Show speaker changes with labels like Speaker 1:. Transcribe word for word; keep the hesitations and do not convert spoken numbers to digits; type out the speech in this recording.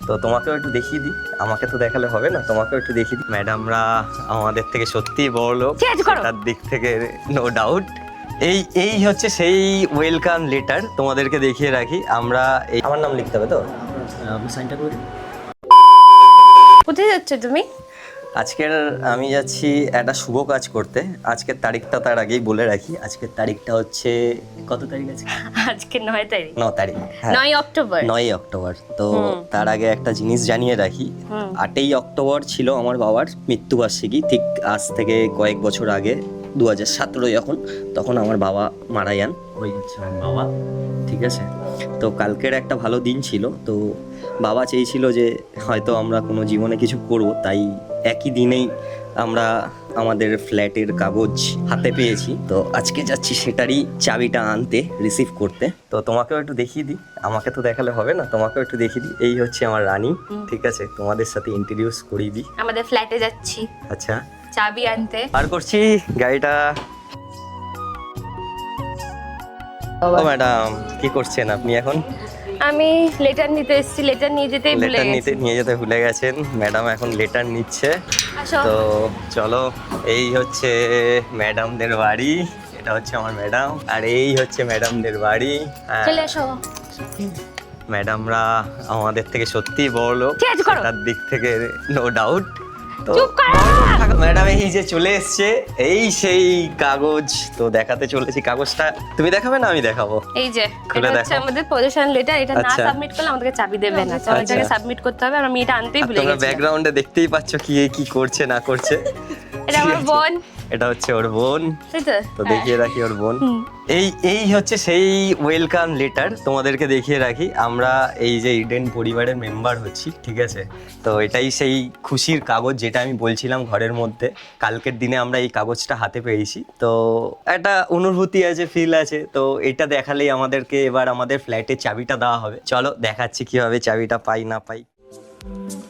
Speaker 1: তো তোমাকেও একটু দেখিয়ে দিই, আমাকে তো দেখালে হবে না, তোমাকেও একটু দেখিয়ে দিই। ম্যাডামরা আমাদের থেকে সত্যিই বড় লোক, তার দিক থেকে নো ডাউট। এই এই হচ্ছে সেই ওয়েলকাম লেটার, তোমাদেরকে দেখিয়ে রাখি। আমরা এই আমার নাম লিখতে হবে তো, আপনি সাইনটা করে দিন।
Speaker 2: কোথায় যাচ্ছ তুমি?
Speaker 1: আজকের আমি যাচ্ছি একটা শুভ কাজ করতে। আজকের তারিখটা তার আগেই বলে রাখি, আজকের তারিখটা হচ্ছে কত তারিখ আছে?
Speaker 2: আজকে নয় তারিখ।
Speaker 1: ন তারিখ, হ্যাঁ
Speaker 2: নয় অক্টোবর।
Speaker 1: নয় অক্টোবর। তো তার আগে একটা জিনিস জানিয়ে রাখি, আটই অক্টোবর ছিল আমার বাবার মৃত্যুবার্ষিকী। ঠিক আজ থেকে কয়েক বছর আগে, দু হাজার সতেরো যখন, তখন আমার বাবা মারা যান। ওই হচ্ছে আমার বাবা, ঠিক আছে। তো কালকের একটা ভালো দিন ছিল, তো বাবা চেয়েছিল যে হয়তো আমরা কোনো জীবনে কিছু করব, তাই একই দিনেই আমরা আমাদের ফ্ল্যাটের কাগজ হাতে পেয়েছি। তো আজকে যাচ্ছি সেটারই চাবিটা আনতে, রিসিভ করতে। তো তোমাকেও একটু দেখিয়ে দিই, আমাকে তো দেখালে হবে না, তোমাকেও একটু দেখিয়ে দিই। এই হচ্ছে আমার রানী, ঠিক আছে, তোমাদের সাথে ইন্ট্রোডিউস করিয়ে দিই।
Speaker 2: আমাদের ফ্ল্যাটে যাচ্ছি
Speaker 1: আচ্ছা,
Speaker 2: চাবি আনতে।
Speaker 1: আর করছি গাড়িটা। ও ম্যাডাম, কি করছেন আপনি এখন?
Speaker 2: আমি লেটার নিতে এসেছি, লেটার নিয়ে যেতেই ভুলে
Speaker 1: লেটার
Speaker 2: গেছি।
Speaker 1: নিতে নিয়ে যেতে ভুলে গেছেন ম্যাডাম, এখন লেটার নিচ্ছে।
Speaker 2: আসো।
Speaker 1: তো চলো, এই হচ্ছে ম্যাডামদের বাড়ি, এটা হচ্ছে আমার ম্যাডাম, আর এই হচ্ছে ম্যাডামদের বাড়ি। হ্যাঁ,
Speaker 2: চলে এসো।
Speaker 1: ম্যাডামরা আমাদের থেকে সত্যিই বড় লোক,
Speaker 2: চেঞ্জ করো।
Speaker 1: তার দিক থেকে নো ডাউট। তো
Speaker 2: চুপ করো।
Speaker 1: ম্যাডাম এই যে চলে এসছে, এই সেই কাগজ, তো দেখাতে চলেছি। কাগজটা তুমি দেখাবে না আমি দেখাবো?
Speaker 2: এই যে
Speaker 1: খুলে
Speaker 2: এটা হচ্ছে
Speaker 1: দেখো।
Speaker 2: আমাদের পজিশন লেটার, এটা না
Speaker 1: আচ্ছা।
Speaker 2: সাবমিট করলে আমাদেরকে চাবি দেবে না। তো এটাকে
Speaker 1: আচ্ছা।
Speaker 2: সাবমিট করতে হবে, আর আমি এটা আনতেই
Speaker 1: আর
Speaker 2: ভুলে
Speaker 1: তোমরা
Speaker 2: গেছি।
Speaker 1: ব্যাকগ্রাউন্ডে দেখতেই পাচ্ছ কি এ কি করছে না করছে।
Speaker 2: এটা আমার বোন,
Speaker 1: এটা হচ্ছে ওর বোন,
Speaker 2: তাই তো?
Speaker 1: তো দেখিয়ে রাখি ওর বোন। এই এই হচ্ছে সেই ওয়েলকাম লেটার, তোমাদেরকে দেখিয়ে রাখি। আমরা এই যে ইডেন পরিবারের মেম্বার হচ্ছি, ঠিক আছে। তো এটাই সেই খুশির কাগজ যেটা আমি বলছিলাম ঘরের মধ্যে। কালকের দিনে আমরা এই কাগজটা হাতে পেয়েছি, তো একটা অনুভূতি আছে, ফিল আছে। তো এটা দেখালেই আমাদেরকে এবার আমাদের ফ্ল্যাটের চাবিটা দেওয়া হবে। চলো দেখাচ্ছি কিভাবে চাবিটা পাই না পাই।